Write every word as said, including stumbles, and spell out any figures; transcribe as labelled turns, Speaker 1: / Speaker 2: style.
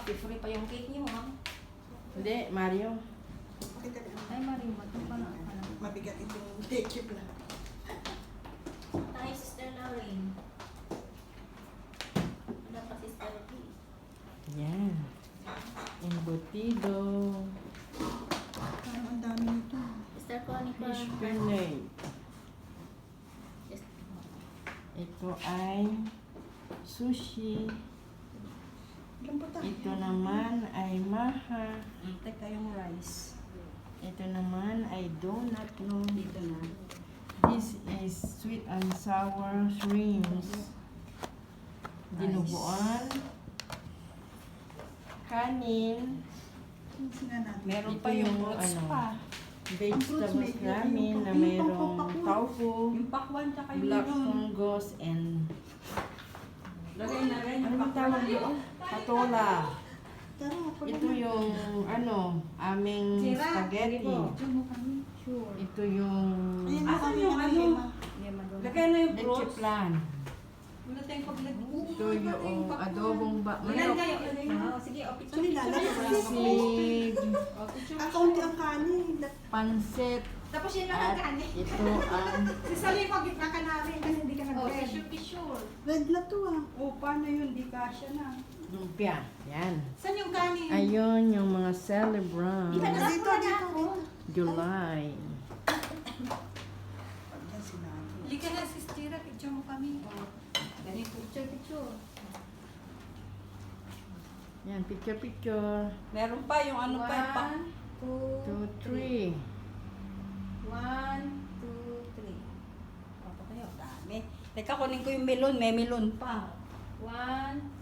Speaker 1: free pa yung cake niyo, ha?
Speaker 2: Hindi, Mario.
Speaker 3: Pakita na.
Speaker 1: Ay, Mario, mat pa na.
Speaker 3: Mabigat itong teke pala.
Speaker 1: Tayo, Sister Lauren. Ano pa, Sister P?
Speaker 2: Yan. Embutido.
Speaker 3: Parang ang dami nito.
Speaker 1: Sister Connie pa.
Speaker 2: Fish fillet.
Speaker 1: Yes.
Speaker 2: Ito ay sushi.
Speaker 3: Ilan po tayo?
Speaker 2: Ito naman ay maha.
Speaker 3: Teka yung rice.
Speaker 2: Ito naman ay donut no.
Speaker 3: Dito na.
Speaker 2: This is sweet and sour shrimps. Dinuguan. Kanin.
Speaker 3: Tingnan nga natin.
Speaker 1: Meron
Speaker 2: Ito
Speaker 1: pa yung
Speaker 2: yung
Speaker 1: fruits
Speaker 2: ano,
Speaker 1: pa.
Speaker 2: Vegetables
Speaker 3: Yung
Speaker 2: namin na
Speaker 3: yung
Speaker 2: mayroong
Speaker 3: pakwan.
Speaker 2: tofu,
Speaker 3: Yung pakwan tsaka yung
Speaker 2: black
Speaker 3: melon.
Speaker 2: fungus, and
Speaker 3: Lagay na rin
Speaker 2: ano
Speaker 3: yung
Speaker 2: bang tawag doon? Patola.
Speaker 3: Tara, pala
Speaker 2: Ito
Speaker 3: na.
Speaker 2: yung ano, aming spaghetti.
Speaker 3: Diyan mo kami. Sure.
Speaker 2: Ito yung
Speaker 3: Ayan
Speaker 4: Asan
Speaker 3: kami,
Speaker 4: yung ano?
Speaker 3: Emma.
Speaker 4: Lagay na yung
Speaker 2: leche
Speaker 4: fruits.
Speaker 2: plan.
Speaker 4: Wala tayong paglagay.
Speaker 2: Ito yung adobong ba
Speaker 4: Ilan
Speaker 2: manok.
Speaker 4: kayo?
Speaker 1: Ah, sige, o, picture,
Speaker 3: Ano
Speaker 1: picture.
Speaker 3: nilalagay?
Speaker 2: Sisig,
Speaker 4: O, picture.
Speaker 3: Ah, kaunti ang kanin.
Speaker 2: pansit,
Speaker 4: Tapos yun lang
Speaker 2: at
Speaker 4: ang kanin.
Speaker 2: ito ang
Speaker 4: Si Salim, pag gitna ka namin kasi hindi ka
Speaker 1: O,
Speaker 4: nag-bread.
Speaker 1: picture, picture.
Speaker 3: Red na to ah.
Speaker 4: O, paano yun? Di kasya na.
Speaker 2: lumpia. Yan.
Speaker 4: Saan yung kanin?
Speaker 2: Ayun yung mga celebrant.
Speaker 3: Dito, dito, dito.
Speaker 2: July.
Speaker 3: Yan sinabi.
Speaker 4: Halika na, sistira. Picture mo kami.
Speaker 1: Ganito, picture, picture.
Speaker 2: Yan, picture picture.
Speaker 4: Meron pa yung ano pa. Yung pa.
Speaker 1: One, two,
Speaker 2: Two, three.
Speaker 1: One, two, three.
Speaker 4: Papa kayo, dami. Teka, kunin ko yung melon. May melon pa.
Speaker 1: One,